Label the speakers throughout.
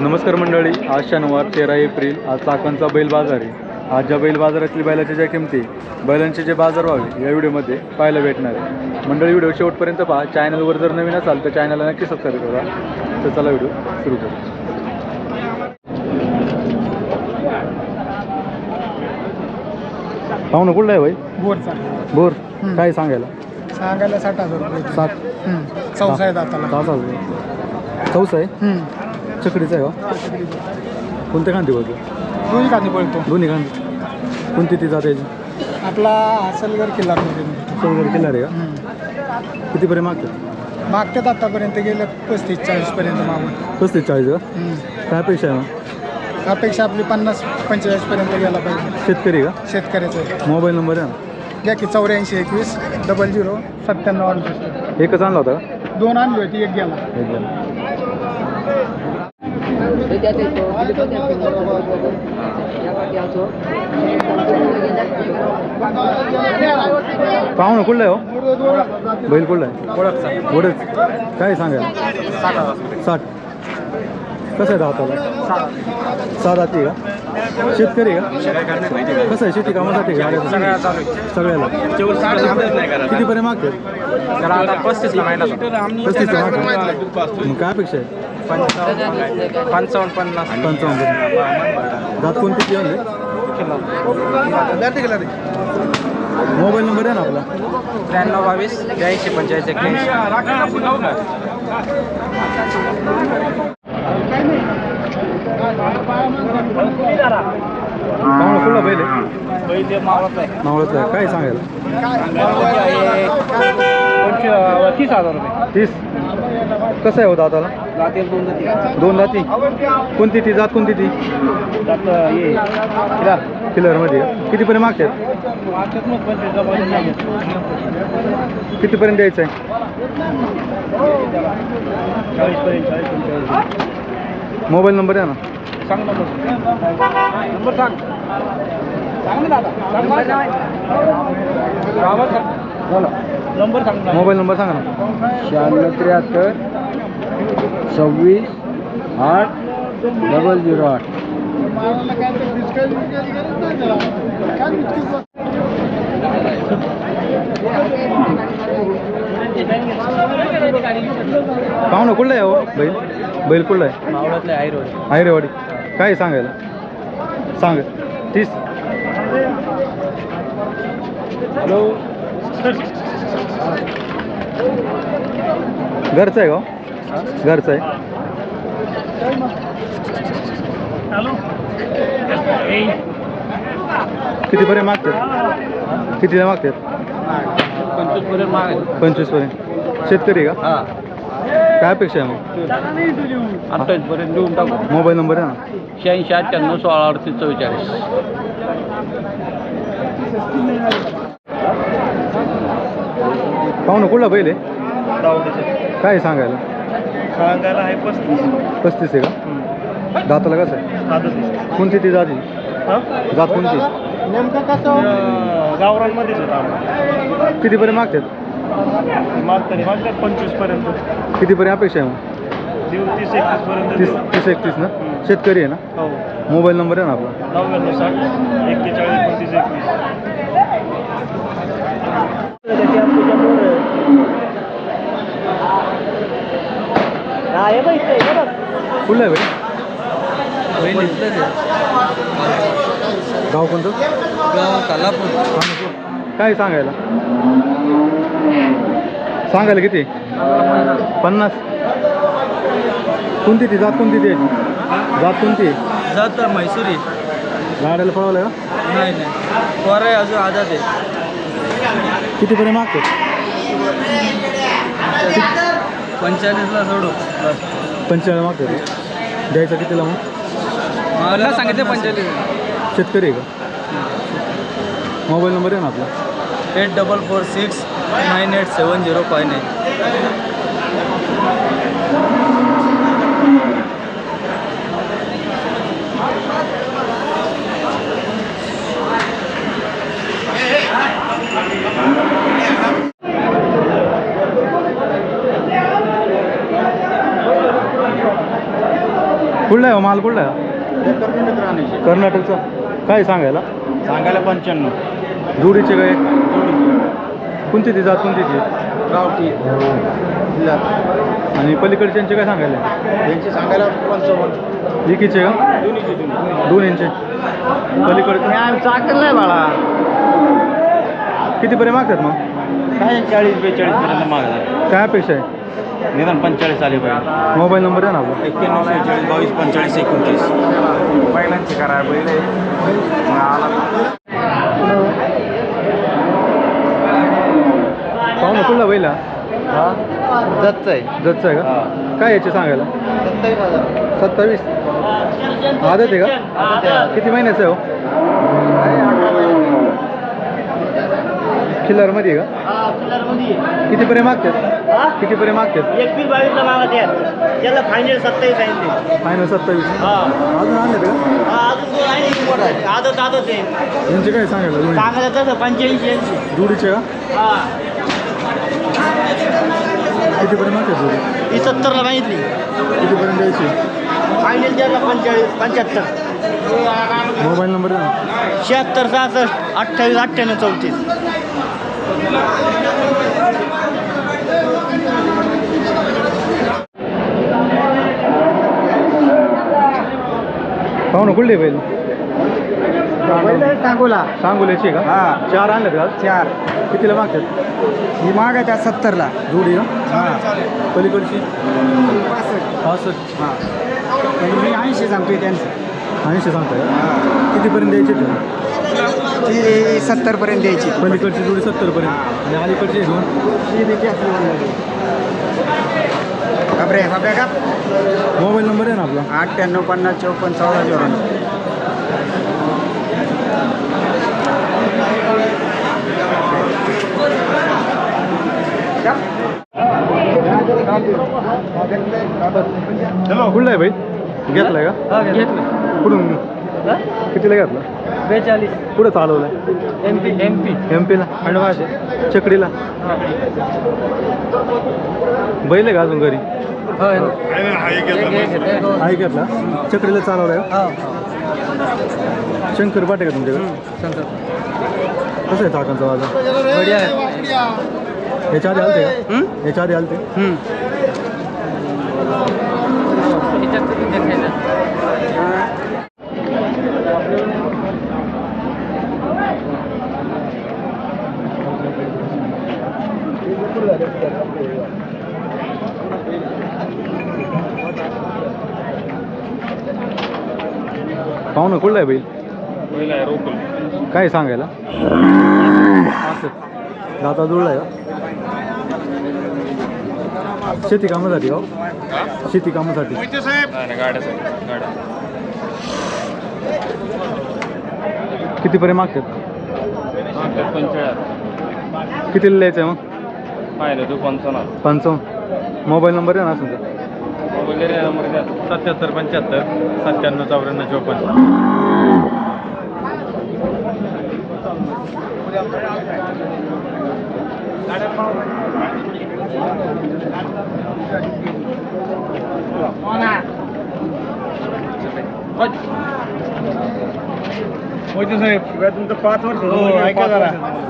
Speaker 1: नमस्कार मंडळी, आज शनिवार 13 एप्रिल, आज चाकणचा बैल बाजार आहे। आज ज्या बैल बाजारातली बैलाच्या ज्या किमती, बैलांचे जे बाजारभाव आहे या व्हिडिओमध्ये पाहायला भेटणार आहे। मंडळी व्हिडिओ शेवटपर्यंत पहा। चॅनलवर जर नवीन असाल तर चॅनलला नक्की सबस्क्राईब करा। तर चला व्हिडिओ सुरू करू। पाहू ना कुठला आहे भाई?
Speaker 2: बोरचा
Speaker 1: बोर काय सांगायला?
Speaker 2: 60,000 रुपये।
Speaker 1: 60
Speaker 2: चौसा आहे दाताला।
Speaker 1: 60,000 चौसा आहे। चकडीचा आहे का? कोणत्या खांदी बोलतो?
Speaker 2: दोन्ही कांदी पळतो।
Speaker 1: दोन्ही खांदी कोणती ती जात याची?
Speaker 2: आपला हसलगर किल्ला
Speaker 1: सलगर किल्ला रे का? कितीपर्यंत मागतात?
Speaker 2: मागतात आतापर्यंत गेलं 35-40 पर्यंत मागून।
Speaker 1: 35-40 का? काय अपेक्षा आहे मग?
Speaker 2: अपेक्षा आपली 50-45 पर्यंत गेला पाहिजे।
Speaker 1: शेतकरी का?
Speaker 2: शेतकऱ्याचं
Speaker 1: मोबाईल नंबर आहे ना?
Speaker 2: घ्या की 84 21 00 97 68।
Speaker 1: एकच आणला होता का?
Speaker 2: दोन आणली होती, एक गेला।
Speaker 1: एक गेला। पाहू ना कुठला आहे हो? बैल कुठला आहे? वडच काय सांगायला? 60 कसं आहे दाताला? 6 दाती का? शेतकरी का? कसं आहे शेती कामासाठी का? सगळ्याला कितीपर्यंत मागते?
Speaker 3: 35ला महिना
Speaker 1: 35ला मागते। मग काय अपेक्षा आहे? 55 जात कोणती ती आहे? मोबाईल नंबर आहे ना आपला?
Speaker 3: 93 22 82 45
Speaker 1: कुठला पहिले?
Speaker 3: पहिले मावळत आहे।
Speaker 1: नावळत आहे काय सांगायला?
Speaker 3: 30,000 रुपये।
Speaker 1: 30 कसं आहे हो दाताला?
Speaker 3: जातील 2 जाती।
Speaker 1: 2 दाती कोणती ती जात? कोणती ती?
Speaker 3: जात ये
Speaker 1: किलरमध्ये कितीपर्यंत मागतात? कितीपर्यंत द्यायचं आहे?
Speaker 3: 40 पर्यंत।
Speaker 1: मोबाईल नंबर आहे ना?
Speaker 3: सांग नंबर सांग ना दादा। नंबर सांग।
Speaker 1: मोबाईल नंबर सांगा ना?
Speaker 2: 96 73 26 8 008।
Speaker 1: पाहू ना कुठला आहे हो बैल? बैल कुठला आहे?
Speaker 3: मावळातले
Speaker 1: आयरेवाडी काय सांगायला? सांग 30
Speaker 3: हॅलो
Speaker 1: घरचं आहे का? घरचं आहे।
Speaker 3: हॅलो
Speaker 1: कितीपर्यंत मागतात? कितीला मागतात?
Speaker 3: 25 पर्यंत मागेल।
Speaker 1: 25 पर्यंत। शेतकरी का?
Speaker 3: हां
Speaker 1: काय अपेक्षा आहे मग?
Speaker 3: 28 पर्यंत देऊन टाकू।
Speaker 1: मोबाईल नंबर आहे ना?
Speaker 3: 86 98 16 38 44।
Speaker 1: पाहू ना कुठला बैल आहे? काय सांगायला?
Speaker 3: सांगायला आहे
Speaker 1: 35 आहे का? दाताला कसं आहे? कोणती ती जाती? जात कोणती?
Speaker 2: नेमकं कसं
Speaker 3: गावरांमध्येच होता।
Speaker 1: कितीपर्यंत मागतात?
Speaker 3: मागतात 25 पर्यंत।
Speaker 1: कितीपर्यंत अपेक्षा आहे मग?
Speaker 3: 30-31 पर्यंत।
Speaker 1: 30-31 ना? शेतकरी आहे ना?
Speaker 3: हो।
Speaker 1: मोबाईल नंबर आहे ना आपला?
Speaker 3: 99 60 41 29 21।
Speaker 1: कुठला आहे भाई? गाव कोणतं? काय सांगायला? सांगायला किती? 50 कोणती ती जात? कोणती ती जात? कोणती
Speaker 3: जात? म्हैसूरी।
Speaker 1: गाड्याला पळवलं का?
Speaker 3: नाही पोर आहे अजून आजाद आहे।
Speaker 1: कितीपर्यंत मागतात?
Speaker 3: 45ला सोडू।
Speaker 1: 45 मागतात। द्यायचं कितीला मग?
Speaker 3: मला सांगितलं 45।
Speaker 1: शेतकरी आहे का? मोबाईल नंबर आहे ना आपला?
Speaker 3: 8446 987059।
Speaker 1: कुठला आहे हो माल कुठला आहे कर्नाटकचा काय सांगायला
Speaker 3: सांगायला 95.
Speaker 1: जोडीचे काय कोणती ती जात कोणती ती
Speaker 3: गावठी
Speaker 1: आणि पलीकडच्यांचे काय सांगायला
Speaker 3: यांची सांगायला 55.
Speaker 1: एकीचे का दोन इंचे पलीकडचे
Speaker 3: चाकल नाही बाळा
Speaker 1: कितीपर्यंत मागतात मग
Speaker 3: काय 40-42 पर्यंत मागला
Speaker 1: काय अपेक्षा आहे
Speaker 3: निदान 45 आले पाहिजे.
Speaker 1: मोबाईल नंबर आहे ना आपला
Speaker 3: 91 42 45 29. बैलांची करा बैल
Speaker 1: पाहू ना कुठला बैला
Speaker 3: जतच आहे.
Speaker 1: जतचा आहे का काय याचे सांगायला 27 आदत आहे का किती महिन्याचं आहे हो खिल्लारमध्ये आहे का कितीपर्यंत मागतात कितीपर्यंत मागतात
Speaker 3: 21-22 मागत याला फायनल 27 आहे.
Speaker 1: फायनल 27 अजून आणले का
Speaker 3: आदत आहे
Speaker 1: यांचे काय सांगायला जोडी?
Speaker 3: सांगायला तसं 85-80.
Speaker 1: जोडीचे का कितीपर्यंत मागतात जोडी
Speaker 3: ही 70ला मागितली
Speaker 1: कितीपर्यंत द्यायची
Speaker 3: फायनल द्यायला 45-75.
Speaker 1: मोबाईल नंबर आहे ना
Speaker 3: 76 66 28 98 34.
Speaker 1: पाहू ना कुठले बैल
Speaker 3: सांगोला
Speaker 1: सांगोल्याची का
Speaker 3: हा
Speaker 1: 4 आणले का
Speaker 3: 4
Speaker 1: कितीला मागतात
Speaker 3: ही माग आहे त्या 70ला.
Speaker 1: जोडी का पलीकडची 65
Speaker 3: हां मी 80 सांगतोय त्यांचं
Speaker 1: 80 सांगताय का कितीपर्यंत द्यायचे ते
Speaker 3: ती 70 पर्यंत द्यायची.
Speaker 1: पलीकडची जोडी 70 पर्यंत आणि अलीकडची दोन
Speaker 3: खबरे खबऱ्या का
Speaker 1: मोबाईल नंबर आहे ना आपला
Speaker 3: 98 50 54 14
Speaker 1: कुठला आहे भाई घेतलाय का
Speaker 3: घेतलं
Speaker 1: कुठून कितीला घेतला
Speaker 3: 42
Speaker 1: कुठं चालवलाय एमपीला
Speaker 3: खंडवाशे
Speaker 1: चकडीला बैल आहे का अजून घरी आहे घेतला चकडीला चालवलाय का शंकर पाटे का तुमच्याकडे कसं आहे चाकांचा वाजा याच्या आधी आलते का याच्या आधी आलते पाहू ना कुठला आहे बैल काय सांगायला असं दाता जुळलाय का शेती कामासाठी हो शेती कामासाठी कितीपर्यंत मागतात कितीला द्यायचं आहे मग 55 मोबाईल नंबर आहे ना असं
Speaker 3: नंबर 77 75 97 94 54. साहेब तुमचं 5 वर्ष ऐका जरा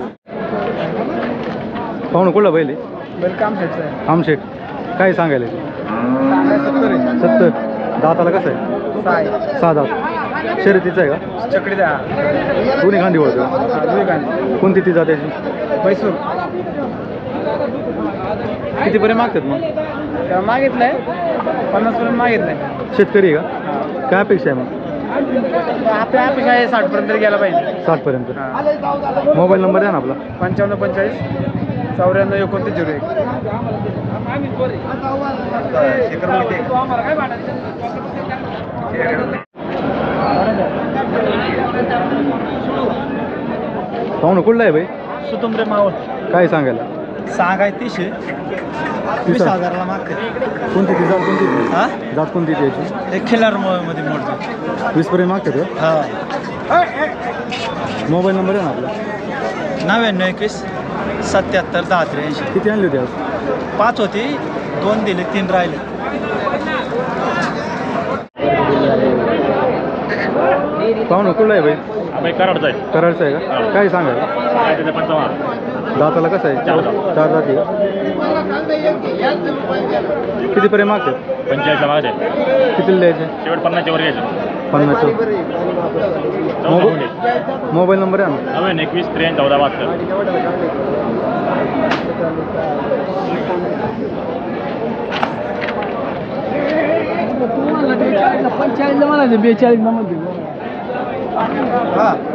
Speaker 1: पाहू ना कुठला बैल आहे
Speaker 2: वेलकम सेट
Speaker 1: आमशेट काय सांगायला 70 दाताला कसं आहे 6 दात शर्यतीचं आहे का
Speaker 2: चकडीचा
Speaker 1: दोन्ही गांधी ओळख कोणती ती जात्याची
Speaker 2: मैसूर
Speaker 1: कितीपर्यंत मागतात मग
Speaker 2: मागितलंय 50 पर्यंत मागितलंय.
Speaker 1: शेतकरी आहे का काय अपेक्षा आहे मग
Speaker 2: आपल्या अपेक्षा आहे 60 पर्यंत गेला पाहिजे.
Speaker 1: 60 पर्यंत मोबाईल नंबर आहे ना आपला
Speaker 2: 55 45 94 29
Speaker 1: पाहू ना कुठला आहे भाई
Speaker 2: सुतुंबरे मावळ
Speaker 1: काय सांगायला
Speaker 2: सांगाय 30 20,000ला मागते.
Speaker 1: कोणती ती जात कोणती ती?
Speaker 2: हा
Speaker 1: जात कोणती ती याची
Speaker 2: एक खिलार मध्ये मोडतो
Speaker 1: 20 पर्यंत मागतात का
Speaker 2: हा
Speaker 1: मोबाईल नंबर आहे ना आपला
Speaker 2: 99 21 77 10 83.
Speaker 1: किती आणली होती आज
Speaker 2: 5 होती 2 दिले 3 राहिले.
Speaker 1: पाहुणं कुठला आहे बाई
Speaker 4: आम्ही कराडचा आहे.
Speaker 1: कराडचं आहे का काय सांगायला
Speaker 4: काय त्याचं 55.
Speaker 1: दाताला कसं आहे चार जाती का कितीपर्यंत मागतात
Speaker 4: 45 मागते.
Speaker 1: कितीला द्यायचे
Speaker 4: शेवट 50 वर घ्यायचं.
Speaker 1: 50 मोबाईल नंबर आहे ना
Speaker 4: 91 23 14 72.
Speaker 2: पंचेचाळीसला मला 42 ला म्हणते
Speaker 1: हां